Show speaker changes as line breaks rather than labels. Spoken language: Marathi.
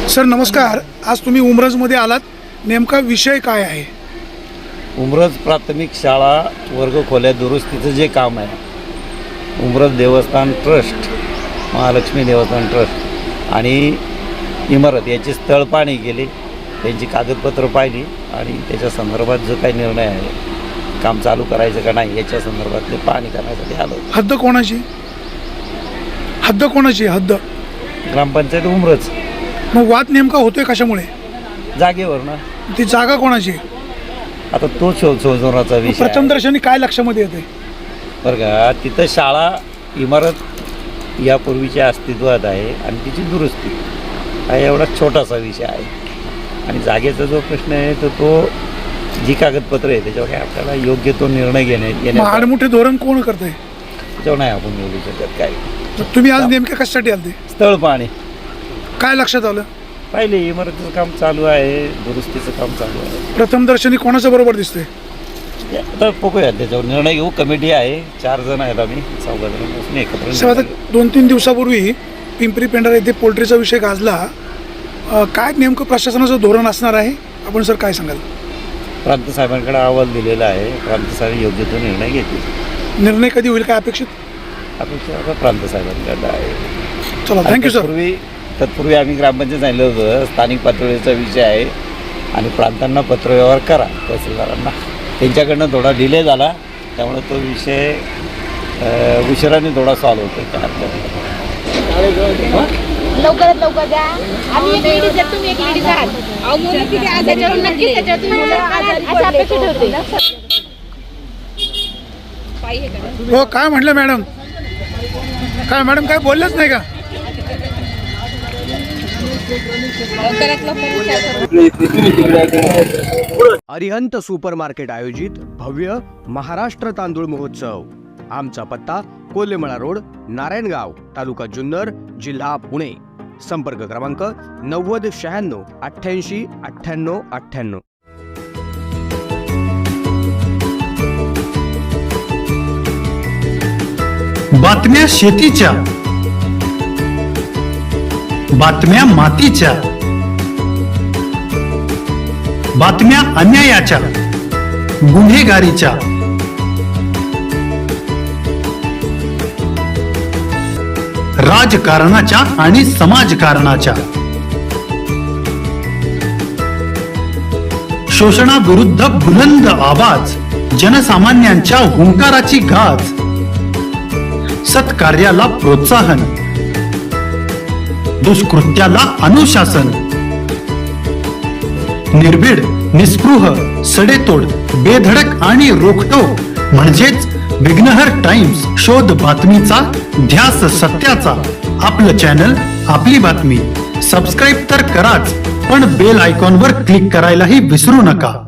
सर नमस्कार, आज तुम्ही उमरजमध्ये आलात, नेमका विषय काय आहे?
उमरज प्राथमिक शाळा वर्ग खोल्या दुरुस्तीचं जे काम आहे, उमरज देवस्थान ट्रस्ट, महालक्ष्मी देवस्थान ट्रस्ट आणि इमारत याची स्थळ पाहणी केली, त्यांची कागदपत्र पाहिली आणि त्याच्या संदर्भात जो काही निर्णय आहे, काम चालू करायचं का नाही याच्या संदर्भातले पाहणी करण्यासाठी आलो.
हद्द कोणाची? हद्द
ग्रामपंचायत उमरज.
मग वाद नेमका होतोय कशामुळे?
जागेवर ना.
ती जागा कोणाची?
आता तो शोधण्याचा विषय आहे.
प्रथमदर्शनी काय लक्षामध्ये येते?
बरं का, तिथं शाळा इमारत यापूर्वीच्या अस्तित्वात आहे आणि तिची दुरुस्ती हा एवढा छोटासा विषय आहे. आणि जागेचा जो प्रश्न आहे तो जी कागदपत्र आहे त्याच्यावर काय आपल्याला योग्य तो निर्णय घेणे
आडमुठे धोरण कोण करतंय?
त्याच्यावर नाही आपण बोलू शकत. काय
तुम्ही आज नेमक्या कशासाठी आलते?
स्थळ पाहणी.
काय लक्षात आलं?
पहिले इमारतीचं काम चालू आहे, दुरुस्तीचं काम चालू आहे.
प्रथमदर्शनी कोणाच्या बरोबर दिसतंय?
आता बघूया, त्याच्यावर निर्णय घेऊ. कमिटी आहे, 4 जण आहेत, आम्ही 4 जण बसून एकत्र.
सर आता 2-3 दिवसापूर्वी पिंपरी पेंढारा येथे पोल्ट्रीचा विषय गाजला. काय नेमकं प्रशासनाचं धोरण असणार आहे? आपण सर काय सांगाल?
प्रांत साहेबांकडे अहवाल दिलेला आहे, प्रांत साहेब योग्य तो निर्णय घेतील.
निर्णय कधी होईल काय अपेक्षित?
अपेक्षा प्रांत साहेबांकडे आहे.
चला, थँक्यू सर.
तत्पूर्वी आम्ही ग्रामपंचायत सांगितलं होतं स्थानिक पातळीचा विषय आहे आणि प्रांतांना पत्रव्यवहार करा तहसीलदारांना. त्यांच्याकडनं थोडा डिले झाला, त्यामुळे तो विषय उशिराने थोडा सॉल्व्ह होतो.
लवकरात लवकर द्या. आम्ही एक लेडीज आहे, तुम्ही एक लेडीज आहात. त्याच्यावर नक्कीच त्याच्यावर तुम्ही असं अपेक्षा ठेवते.
हो, काय म्हटलं मॅडम? मॅडम काय बोललेच नाही का?
अरिहंत सुपरमार्केट आयोजित भव्य महाराष्ट्र तांदूळ महोत्सव. आमचा पत्ता कोल्हेमळा रोड, नारायणगाव, तालुका जुन्नर, जिल्हा पुणे. संपर्क क्रमांक 90 96 88 98 98.
बातम्या शेतीच्या, बातम्या मातीच्या, बातम्या अन्यायाच्या, गुन्हेगारीच्या, राजकारणाच्या आणि समाजकारणाच्या, शोषणाविरुद्ध बुलंद आवाज, जनसामान्यांच्या हुंकाराची गाज, सत्कार्याला प्रोत्साहन, दुष्कृत्याला अनुशासन, निर्भीड, निस्पृह, सडेतोड, बेधडक आणि रोखटोक म्हणजेच विघ्नहर टाइम्स. शोध बातमीचा, ध्यास सत्याचा. आपलं चॅनल, आपली बातमी. सबस्क्राईब तर कराच, पण बेल आयकॉनवर क्लिक करायलाही विसरू नका.